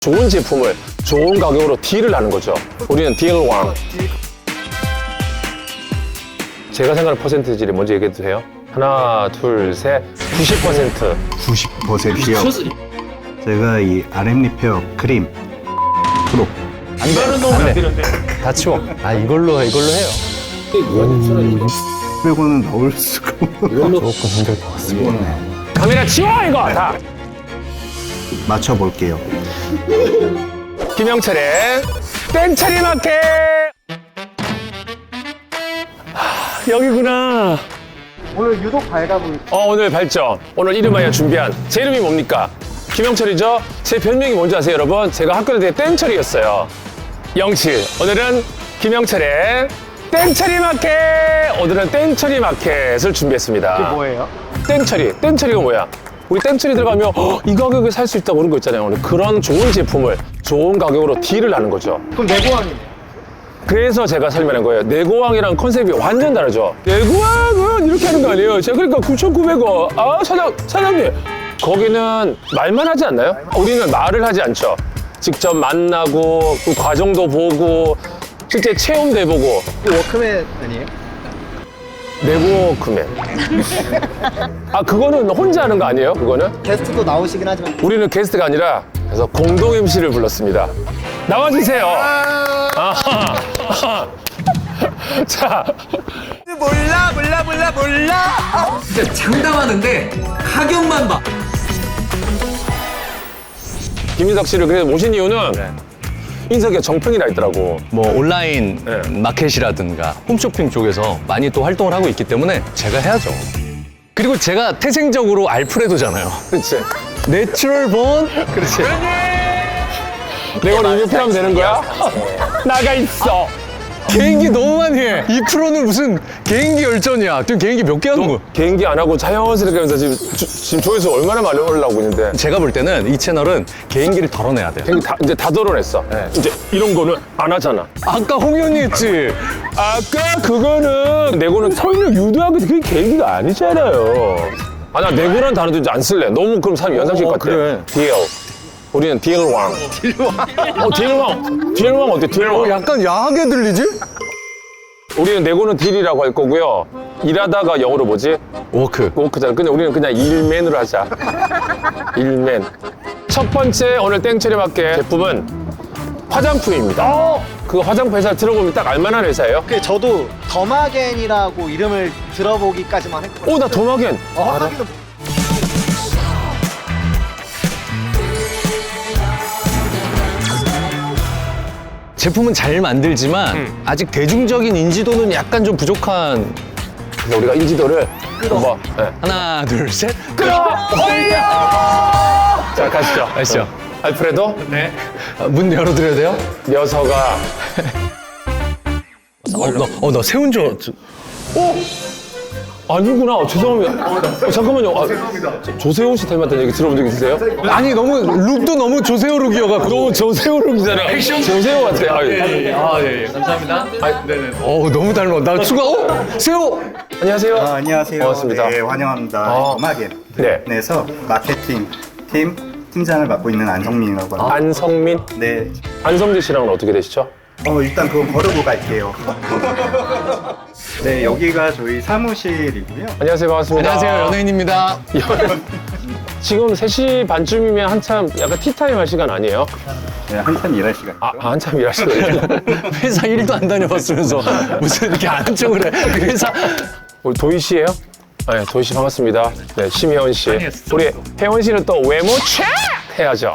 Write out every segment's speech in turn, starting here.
좋은 제품을 좋은 가격으로 딜을 하는 거죠. 우리는 딜왕. 제가 생각하는 퍼센티지를 먼저 얘기해도 돼요? 하나, 둘, 셋. 90%. 90%요. 제가 이 RM 리페어 크림 프로. 안 돼. 다 치워. 아, 이걸로 해요. 빼고는 넣을 수가 없는. 조금 힘들 것 같습니다. 카메라 치워 이거 다. 맞춰볼게요. 김영철의 땡처리 마켓. 여기구나. 오늘 유독 밝아 보이. 오늘 발전. 오늘 이름하여 준비한 제 이름이 뭡니까? 김영철이죠? 제 별명이 뭔지 아세요, 여러분? 제가 학교 다닐 때 땡철이었어요. 영칠. 오늘은 김영철의 땡처리 마켓. 오늘은 땡처리 마켓을 준비했습니다. 이게 뭐예요? 땡처리. 땡처리가 뭐야? 우리 땡처리 들어가면 이 가격에 살 수 있다고 그런 거 있잖아요. 오늘 그런 좋은 제품을 좋은 가격으로 딜을 하는 거죠. 그럼 내고왕이네. 그래서 제가 설명한 거예요. 내고왕이랑 컨셉이 완전 다르죠. 내고왕은 이렇게 하는 거 아니에요. 제가 그러니까 9,900원. 아, 사장님. 거기는 말만 하지 않나요? 우리는 말을 하지 않죠. 직접 만나고 그 과정도 보고 실제 체험도 해보고. 이거 워크맨 아니에요? 내고크맨. 아, 그거는 혼자 하는 거 아니에요? 그거는? 게스트도 나오시긴 하지만. 우리는 게스트가 아니라 그래서 공동 MC를 불렀습니다. 나와주세요. 아하. 자, 진짜 장담하는데 가격만 봐. 김인석 씨를 그래서 모신 이유는 인석이가 정평이라 있더라고. 뭐 온라인 네. 마켓이라든가 홈쇼핑 쪽에서 많이 또 활동을 하고 있기 때문에 제가 해야죠. 그리고 제가 태생적으로 알프레도잖아요. 그렇지. 내추럴 본. 그렇지. 내가 오늘 이렇게 하면 되는 거야? 나가 있어. 개인기 너무 많이 해. 이 프로는 무슨 개인기 열전이야. 지금 개인기 몇 개 하는 거야? 개인기 안 하고 자연스럽게 하면서 지금 조회수 얼마나 많이 올라오고 있는데. 제가 볼 때는 이 채널은 개인기를 덜어내야 돼요. 개인기 이제 다 덜어냈어. 이제 이런 거는 안 하잖아. 아까 홍현이 했지. 아까 그거는 내고는 설명 유도하고 그게 개인기가 아니잖아요. 아, 나 내고란 단어도 이제 안 쓸래. 너무 그럼 사람 연상식 같아. 그래. 딜. 우리는 딜왕. 딜왕. 딜왕 어때? 딜왕. 약간 야하게 들리지? 우리는 내고는 딜이라고 할 거고요. 일하다가 영어로 뭐지? 워크. 워크잖아. 근데 우리는 그냥 일맨으로 하자. 일맨. 첫 번째 오늘 땡처리 마켓 제품은 화장품입니다. 그 화장품 회사 들어보면 딱 알만한 회사예요. 그 저도 더마겐이라고 이름을 들어보기까지만 했거든요. 나 도마겐. 하기도 제품은 잘 만들지만 아직 대중적인 인지도는 약간 좀 부족한. 그래서 우리가 인지도를 한번 하나, 둘, 셋. 끌어올려! 자, 가시죠. 아시죠? 알프레도, 문 열어드려야 돼요? 녀석아. 나 세운 줄. 아니구나. 죄송합니다. 잠깐만요. 조세호 씨 닮았다는 얘기 들어본 적 있으세요? 아니 너무 룩도 너무 조세호 룩이어가지고. 너무 조세호 룩이잖아. 조세호 같아. 예. 감사합니다. 네네. 너무 닮아. 나 추가. 세호. 안녕하세요. 안녕하세요. 반갑습니다. 네, 환영합니다. 네. 더마겐에서 마케팅 팀장을 맡고 있는 안성민이라고 합니다. 안성민? 네. 안성재 씨랑은 어떻게 되시죠? 일단 그건 거르고 갈게요. 네, 여기가 저희 사무실이고요. 안녕하세요. 반갑습니다. 안녕하세요. 연예인입니다. 지금 3시 반쯤이면 한참 약간 티타임 할 시간 아니에요? 네, 한참 일할 시간. 한참 일하시거든요. 회사 일도 안 다녀봤으면서 무슨 이렇게 아는 척을 해. 회사. 우리 도희 씨예요? 네, 도희 씨 반갑습니다. 네, 심혜원 씨. 우리 혜원 씨는 또 외모 책 해야죠.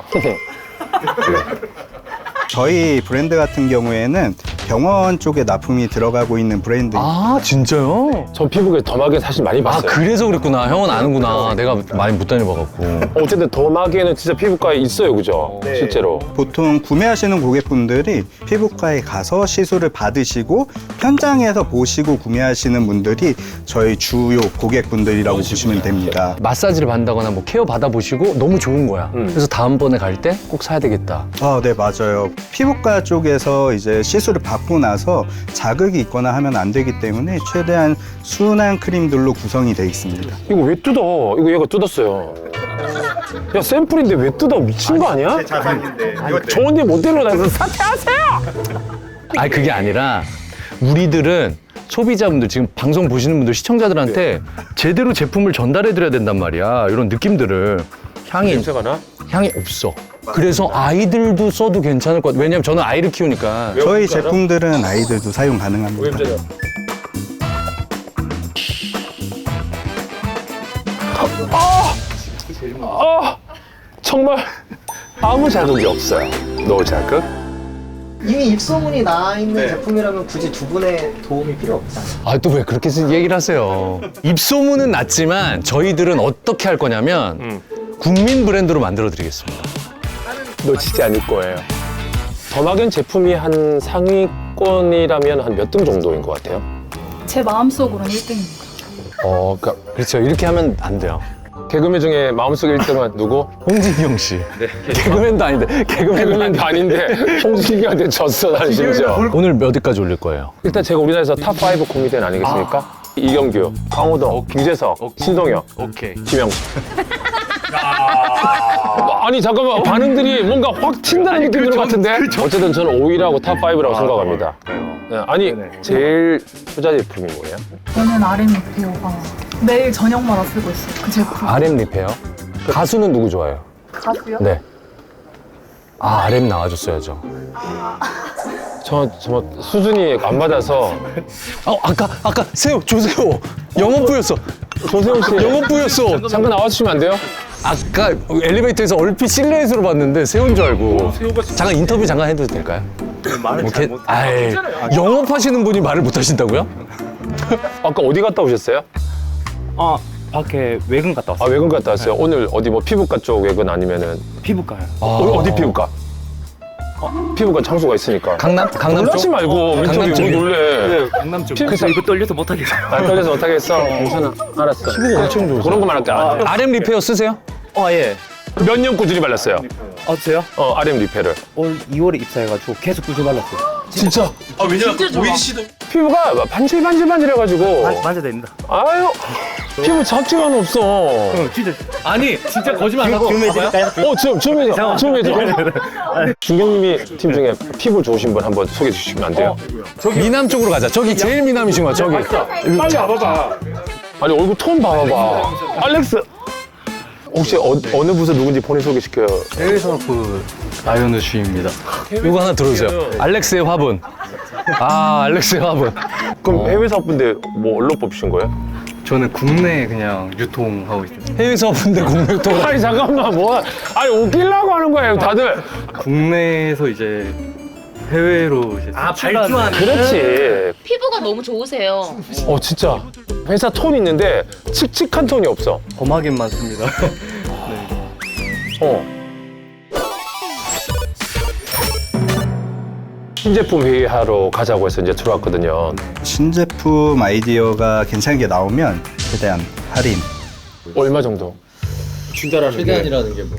저희 브랜드 같은 경우에는 병원 쪽에 납품이 들어가고 있는 브랜드. 아 진짜요? 저 피부가 더마겐 사실 많이 아 봤어요. 그래서 그랬구나. 형은 아는구나. 내가 많이 못 다녀봐갖고. 어쨌든 더마겐은 진짜 피부과에 있어요, 그죠? 실제로. 보통 구매하시는 고객분들이 피부과에 가서 시술을 받으시고 현장에서 보시고 구매하시는 분들이 저희 주요 고객분들이라고 보시면 됩니다. 마사지를 받는다거나 뭐 케어 받아보시고 너무 좋은 거야. 그래서 다음번에 갈 때 꼭 사야 되겠다. 네, 맞아요. 피부과 쪽에서 이제 시술을 받고 나서 자극이 있거나 하면 안 되기 때문에 최대한 순한 크림들로 구성이 되어 있습니다. 이거 왜 뜯어? 이거 얘가 뜯었어요. 야 샘플인데 왜 뜯어? 미친 거 아니야? 자산인데. 좋은데 못 데려다서 사퇴하세요. 아니 그게 아니라 우리들은 소비자분들 지금 방송 보시는 분들 시청자들한테 제대로 제품을 전달해 드려야 된단 말이야. 이런 느낌들을 냄새가 나? 향이 없어. 그래서 아이들도 써도 괜찮을 것 같아. 왜냐면 저는 아이를 키우니까. 저희 제품들은 아이들도 사용 가능합니다. 정말 아무 자극이 없어요. 노 자극. 이미 입소문이 나 있는 제품이라면 굳이 두 분의 도움이 필요 없잖아요. 아, 또 왜 그렇게 얘기를 하세요? 입소문은 났지만 저희들은 어떻게 할 거냐면 국민 브랜드로 만들어 드리겠습니다. 놓치지 않을 거예요. 더마겐 제품이 한 상위권이라면 한 몇 등 정도인 것 같아요? 제 마음속으로는 1등입니다. 그러니까 그렇죠. 이렇게 하면 안 돼요. 개그맨 중에 마음속 1등은 누구? 홍진경 씨. 개그맨도 아닌데. 개그맨도 아닌데 홍진기한테 졌어, 나는 심지어. 오늘 몇 위까지 올릴 거예요? 일단 제가 우리나라에서 탑5 코미디언 아니겠습니까? 이경규, 강호동, 유재석, 신동엽, 오케이. 김영수. 아니 잠깐만 반응들이 뭔가 확 튄다는 느낌이 드는 것 같은데? 어쨌든 저는 5위라고 탑5라고 생각합니다. 네, 아니 제일 투자 제품이 뭐예요? 저는 RM 리페어가 매일 저녁마다 쓰고 있어요. 그 제품. RM 리페어? 가수는 누구 좋아해요? 가수요? 네. 아, RM 나와줬어야죠. 저 수준이 안 맞아서 아까 새우, 조새우. 영업부였어. 조세호 씨 영업부였어. 잠깐 나와주시면 안 돼요? 아까 엘리베이터에서 얼핏 실내에서 봤는데 새우인 줄 알고. 잠깐 인터뷰 잠깐 해도 될까요? 말을 잘 못. 아이, 영업하시는 분이 말을 못 하신다고요? 아까 어디 갔다 오셨어요? 밖에 외근 갔다 왔어요. 아 외근 갔다 왔어요. 오늘 어디 뭐 피부과 쪽 외근 아니면은 피부과요. 어디 피부과? 피부과 장소가 있으니까. 강남 놀라지 쪽? 말고 민철이 왜 쪽이요? 놀래? 강남 쪽. 그래서 이거 떨려서 못 하겠어요. 안 떨려서 못하겠어. 괜찮아. 알았어. 피부가 엄청 좋으세요. 그런 것만 할게. RM 리페어 쓰세요? 예. 몇 년 꾸준히 발랐어요? 저요? RM 리페를. 올 2월에 입사해가지고 계속 꾸준히 발랐어요. 진짜? 피부가 반질반질반질해가지고. 맞아야 됩니다. 아유, 피부 잡지가 없어. 진짜. 아니, 진짜 거짓말 안 하고. 해드릴까요? 좀 해줘. 준경님이 팀 중에 피부 좋으신 분 한번 소개해 주시면 안 돼요? 미남 쪽으로 가자. 저기 제일 미남이신 거야, 저기. 빨리 와봐봐. 아니, 얼굴 톤 봐봐봐. 알렉스. 혹시 어느 부서 누군지 본인 소개시켜요? 해외산업부 나연우 주입니다. 이거 하나 들어주세요. 알렉스의 화분. 알렉스의 화분. 그럼 해외 사업분데 뭐 얼로 뽑으신 거예요? 저는 국내 그냥 유통하고 있습니다. 해외 사업인데 국내 유통. 아니 잠깐만 아니 웃기려고 하는 거예요 다들. 국내에서 이제 해외로 이제 발주하는. 그렇지. 피부가 너무 좋으세요. 진짜 회사 톤 있는데 칙칙한 톤이 없어. 범하겐만 씁니다. 신제품 회의하러 가자고 해서 이제 들어왔거든요. 신제품 아이디어가 괜찮은 게 나오면 최대한 할인. 얼마 정도? 최대한이라는 게 뭐?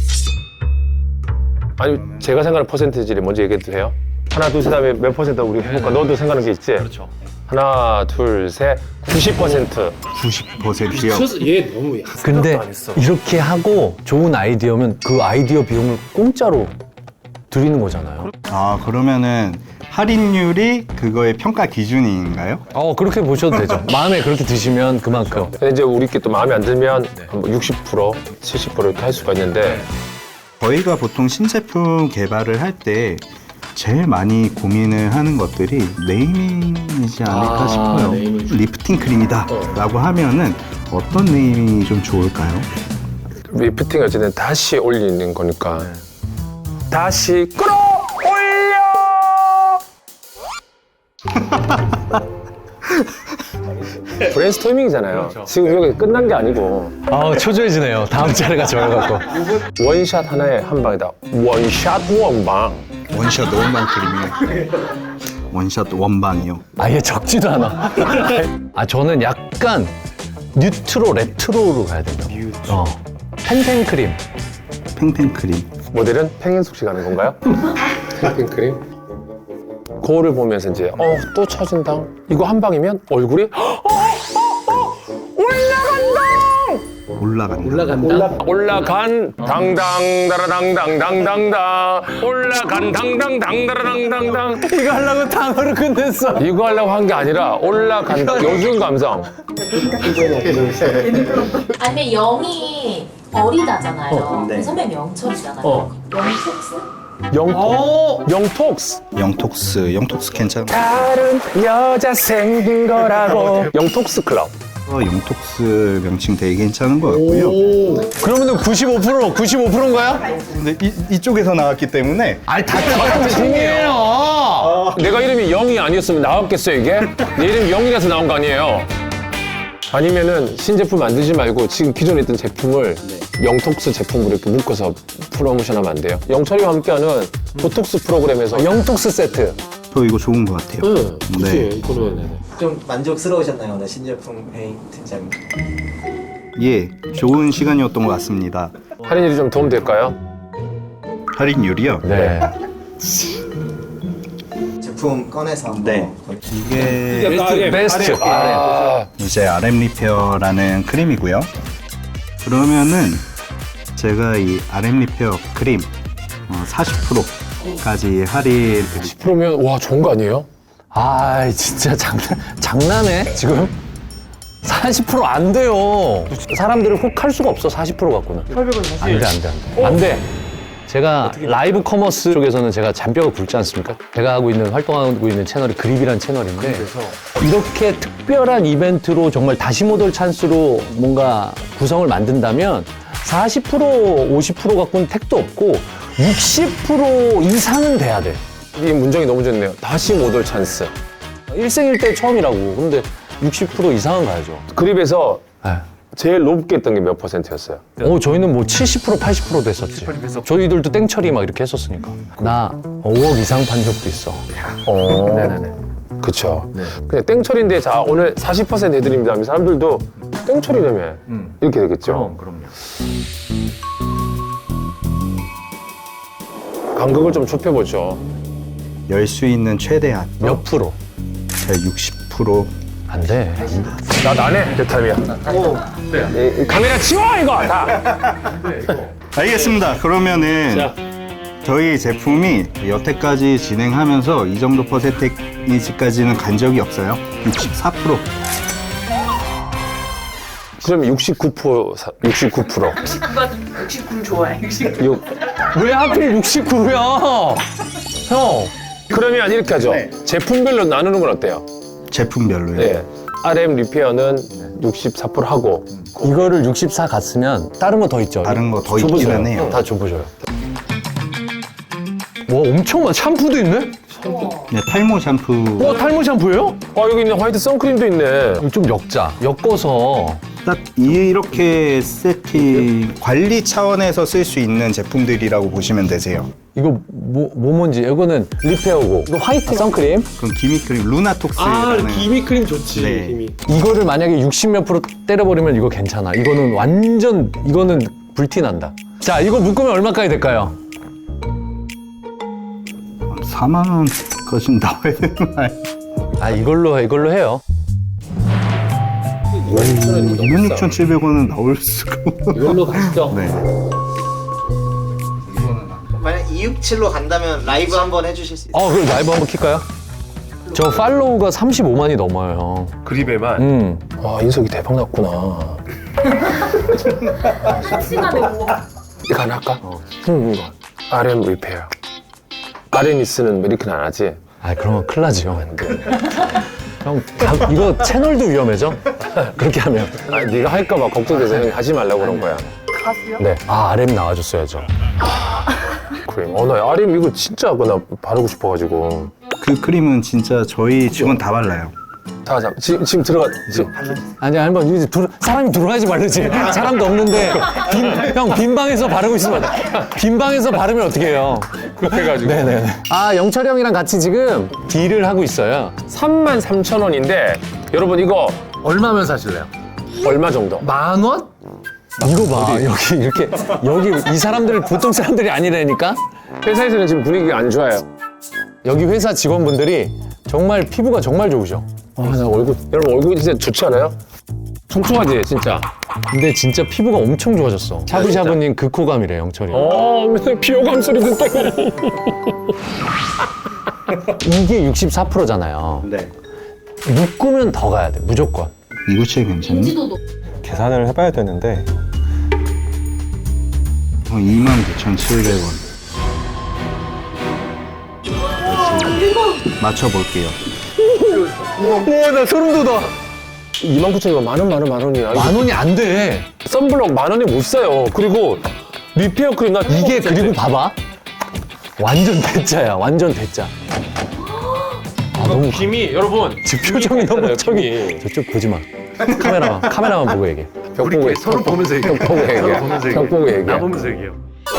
아니 제가 생각하는 퍼센티지를 먼저 얘기해도 돼요? 하나 둘 셋 하면 몇 퍼센트 우리 해볼까? 너도 생각하는 게 있지? 그렇죠. 하나 둘 셋 90%. 90%요. 근데 이렇게 하고 좋은 아이디어면 그 아이디어 비용을 공짜로 드리는 거잖아요. 그러면은 할인율이 그거의 평가 기준인가요? 그렇게 보셔도 되죠. 마음에 그렇게 드시면 그만큼. 근데 이제 우리께 또 마음에 안 들면 뭐 60%, 70% 이렇게 할 수가 있는데 저희가 보통 신제품 개발을 할 때 제일 많이 고민을 하는 것들이 네이밍이지 않을까 싶어요. 리프팅 크림이다 라고 하면은 어떤 네이밍이 좀 좋을까요? 리프팅 어쨌든 다시 올리는 거니까 다시 끌어올려! 브레인스토밍이잖아요. 지금 여기 끝난 게 아니고 초조해지네요. 다음 차례가 저여갖고. 원샷 하나에 한 방이다. 원샷 원방. 원샷 원방 크림이요. 원샷 원방이요. 아예 적지도 않아. 저는 약간 뉴트로 레트로로 가야 돼요. 펜펜 크림. 팽팽 크림. 모델은 팽현숙 씨 가는 건가요? 팽크림? 거울을 보면서 이제 또 처진다. 이거 한 방이면 얼굴이 올라간다! 올라간다. 올라간 당당다라당당당당당 올라간 당당당다라당당당 이거 하려고 탕으로 끝냈어. 이거 하려고 한 게 아니라 올라간다. 요즘 감성. 아니면 영이 어리다잖아요. 네. 선배님 영철이잖아요. 영폭스? 영톡스. 영톡스 괜찮아. 다른 여자 생긴 거라고. 영톡스 클럽. 영톡스 명칭 되게 괜찮은 것 같고요. 그러면은 95%인가요? 근데 이쪽에서 나왔기 때문에 아니 다 똑같은 팀이에요. 내가 이름이 영이 아니었으면 나왔겠어 이게? 내 이름이 영이라서 나온 거 아니에요? 아니면은 신제품 만들지 말고 지금 기존에 있던 제품을 영톡스 제품으로 이렇게 묶어서 프로모션하면 안 돼요? 영철이와 함께하는 보톡스 프로그램에서 영톡스 세트. 저 이거 좋은 것 같아요. 네. 이거는 좀 만족스러우셨나요 오늘 신제품 회의 팀장님? 예, 좋은 시간이었던 것 같습니다. 할인율이 좀 도움 될까요? 할인율이요? 네. 제품 꺼내서 한번 네. 이게 베스트. 이제 RM 리페어라는 크림이고요. 그러면은 제가 이 RM 리페어 크림 40%까지 할인 드릴게요. 그러면 와 좋은 거 아니에요? 아 진짜 장난해 지금? 40% 안 돼요. 사람들을 혹 할 수가 없어 40% 갖고는. 안 돼. 제가 라이브 커머스 쪽에서는 제가 잔뼈가 굵지 않습니까? 제가 활동하고 있는 채널이 그립이라는 채널인데 이렇게 특별한 이벤트로 정말 다시 모델 찬스로 뭔가 구성을 만든다면 40% 50% 갖고는 택도 없고 60% 이상은 돼야 돼. 이 문장이 너무 좋네요. 다시 못 올 찬스. 일생일대 처음이라고. 근데 60% 이상은 가야죠. 그립에서 네. 제일 높게 했던 게 몇 %였어요? 저희는 뭐 70% 80%도 했었지. 저희들도 땡처리 막 이렇게 했었으니까. 나 5억 이상 판 적도 있어. 네네네. 그쵸. 그냥 땡처리인데 자 오늘 40% 해드립니다 하면 사람들도 땡처리라며 이렇게 되겠죠. 그럼요. 간극을 좀 좁혀보죠. 열 수 있는 최대한 몇 프로? 제가 60% 안 돼. 나네 대타임이야. 이 카메라 치워 이거 다. 알겠습니다. 그러면은 자. 저희 제품이 여태까지 진행하면서 이 정도 퍼센테이지까지는 간 적이 없어요. 64%. 그럼 69%. 69%. 69 좋아해. 왜 하필 69야? 형. 그러면 이렇게 하죠. 제품별로 나누는 건 어때요? 제품별로요. 네. RM 리페어는 64% 하고 이거를 64 갔으면 다른 거 더 있죠? 다른 거 더 줘보세요. 있기는 해요. 다 줘보셔요. 와 엄청 많아. 샴푸도 있네? 네, 탈모 샴푸 와 탈모 샴푸예요? 여기 있는 화이트 선크림도 있네. 이거 좀 엮어서 딱 이렇게 세팅 관리 차원에서 쓸 수 있는 제품들이라고 보시면 되세요. 이거 뭔지 이거는 리페어고 이거 화이트 선크림 그럼 기미크림 루나톡스라는 기미크림 좋지. 네. 이거를 만약에 60몇 프로 때려버리면 이거 괜찮아. 이거는 완전 이거는 불티 난다. 자 이거 묶으면 얼마까지 될까요? 4만 원까지 나와야 되는 거 아니에요? 아 이걸로 해요. 26,700원은 나올 수가 없어요. 이걸로 가시죠. 네. 만약 267로 간다면 라이브 한번 해주실 수 있어요? 그럼 라이브 한번 킬까요? 저 팔로우가 35만이 넘어요. 그립에만. 인석이 대박 났구나. 시간에 뭐 이거 하나 할까? 이거. RM 리페어. RM이 쓰는 메리크는 안 하지? 아 그러면 큰일 나지 형. 형 이거 채널도 위험해져? 그렇게 하면. 네가 할까봐 걱정돼서 형이 하지 말라고 그런 거야. 가수요? 네. RM 나와줬어야죠. 크림. 나 RM 이거 진짜 나 바르고 싶어가지고. 그 크림은 진짜 저희 직원 다 발라요. 자, 지금 들어가. 아니 한번 이제 사람이 들어가지 말지. 사람도 없는데 빈 방에서 바르고 있으면 빈 방에서 바르면 어떻게 해요? 해가지고. 네네. 영철이 형이랑 같이 지금 딜을 하고 있어요. 33,000원인데 여러분 이거 얼마면 사실래요? 얼마 정도? 10,000원? 이거 봐. 여기 이 사람들 보통 사람들이 아니라니까. 회사에서는 지금 분위기가 안 좋아요. 여기 회사 직원분들이 정말 피부가 정말 좋으셔. 나 여러분 얼굴 진짜 좋지 않아요? 촉촉하지 진짜. 근데 진짜 피부가 엄청 좋아졌어. 샤브샤브님 그 코감이래, 영철이. 맨날 비호감 소리 듣다. 이게 64%잖아요. 네. 묶으면 더 가야 돼, 무조건. 이구칠 괜찮니? 인지도도 계산을 해봐야 되는데 29,700원. 맞춰볼게요. 우와, 나 소름 돋아. 29,000원 만 원이야. 만 원이 안 돼. 썬블럭 만 원에 못 사요. 그리고 리페어 크림 나 이게 그리고 봐봐. 완전 대짜야, 완전 대짜. 아, 너무 김이 여러분 지금 표정이 너무 저기. 저쪽 보지 마. 카메라만 보고 얘기해. 벽 보고 서로 보면서 얘기해. 벽 보고 얘기해. 보면서 벽 보고 얘기해. 나 보면서 얘기해요.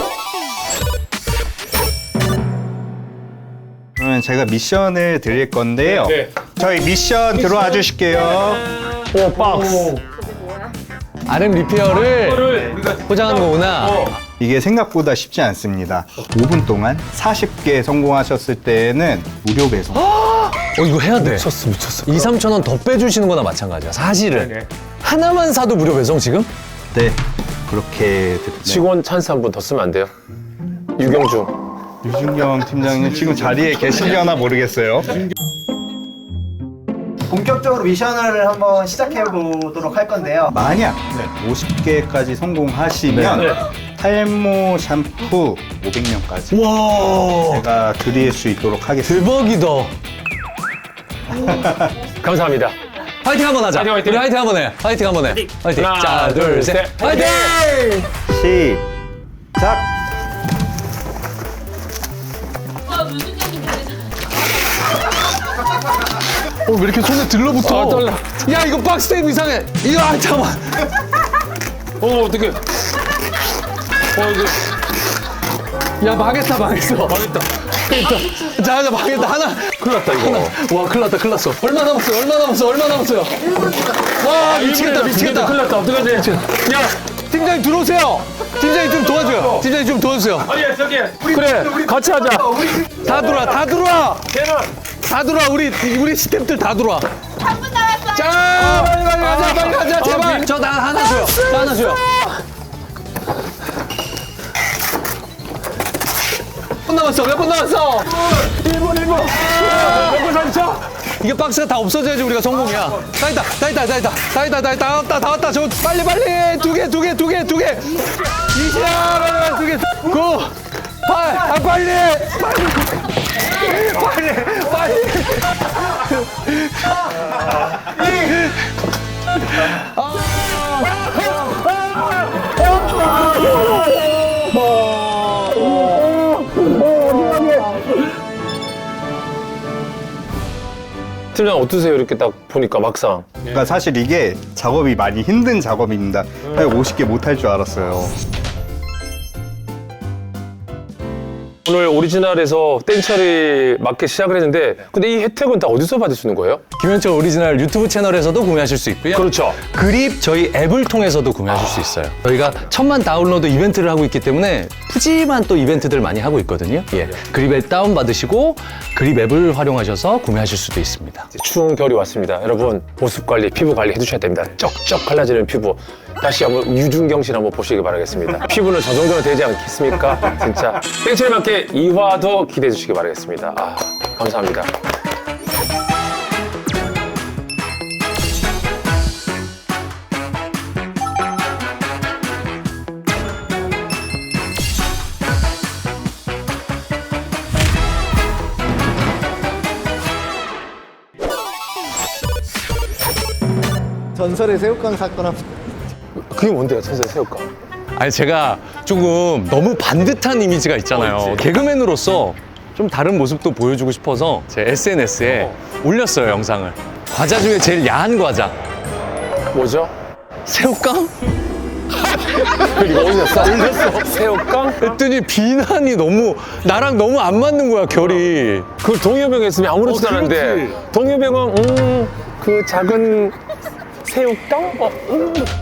그러면 제가 미션을 드릴 건데요. 네. 저희 미션 들어와 주실게요. 오 박스. RM 리페어를 포장하는 거구나. 이게 생각보다 쉽지 않습니다. 5분 동안 40개 성공하셨을 때는 무료 배송. 이거 해야 돼. 미쳤어. 2, 3천 원 더 빼주시는 거나 마찬가지야. 사실은. 하나만 사도 무료 배송 지금? 네, 그렇게 듣네요. 직원 찬스 한 번 더 쓰면 안 돼요? 유경주. 유준경 팀장님 지금 자리에 계시려나 모르겠어요. 본격적으로 미션을 한번 시작해 보도록 할 건데요. 만약 50개까지 성공하시면 탈모 샴푸 500명까지 와, 제가 드릴 수 있도록 하겠습니다. 대박이다. 감사합니다. 화이팅 한번 하자. 화이팅, 화이팅. 우리 화이팅 한번 해. 화이팅 한번 해. 화이팅. 하나, 자, 둘, 둘, 셋. 셋. 화이팅! 시작! 왜 이렇게 손에 들러붙어? 떨려. 야, 이거 박스 테이프 이상해. 이거, 잠깐만. 어떡해. 이거. 야, 망했어. 망했다. 자, 망했다. 하나. 큰일 났다, 이거. 와, 큰일 났어. 얼마 남았어요? 와, 미치겠다. 큰일 났다. 어떡하지? 야! 팀장님 들어오세요. 팀장님 좀 도와줘요. 팀장님 좀 도와주세요. 예, 저기. 그래, 같이 하자. 다 들어와. 다 들어와, 우리 스태프들 다 들어와. 3분 남았어요. 자, 빨리 가자, 제발. 저 나 하나 줘요. 몇 분 남았어? 1분. 몇 분 남았어? 이게 박스가 다 없어져야지 우리가 성공이야. 다 있다. 다 왔다. 저 빨리. 두 개. 20, 2개. 9, 8, 빨리. 팀장 어떠세요? 이렇게 딱 보니까 막상. 그러니까 사실 이게 작업이 많이 힘든 작업입니다. 50개 못 할 줄 알았어요. 오늘 오리지널에서 땡처리 마켓 시작을 했는데 근데 이 혜택은 다 어디서 받을 수 있는 거예요? 김현철 오리지널 유튜브 채널에서도 구매하실 수 있고요. 그렇죠. 그립 저희 앱을 통해서도 구매하실 수 있어요. 저희가 1000만 다운로드 이벤트를 하고 있기 때문에 푸짐한 또 이벤트들 많이 하고 있거든요. 예. 그립 앱 다운받으시고 그립 앱을 활용하셔서 구매하실 수도 있습니다. 이제 추운 겨울이 왔습니다. 여러분 모습 관리, 피부 관리 해주셔야 됩니다. 쩍쩍 갈라지는 피부. 다시 한번 유준경 씨를 한번 보시기 바라겠습니다. 피부는 저 정도는 되지 않겠습니까? 진짜. 땡처리 마켓 2화도 기대해 주시기 바라겠습니다. 감사합니다. 전설의 새우깡 사건 한번. 그게 뭔데요, 선생 새우깡? 아니 제가 조금 너무 반듯한 이미지가 있잖아요. 개그맨으로서 좀 다른 모습도 보여주고 싶어서 제 SNS에 올렸어요, 영상을. 과자 중에 제일 야한 과자. 뭐죠? 새우깡? 그리고 올렸어? 새우깡? 했더니 비난이 너무 나랑 너무 안 맞는 거야, 결이. 그 동요병 했으면 아무렇지도 않은데 동요병은 그 작은 새우깡?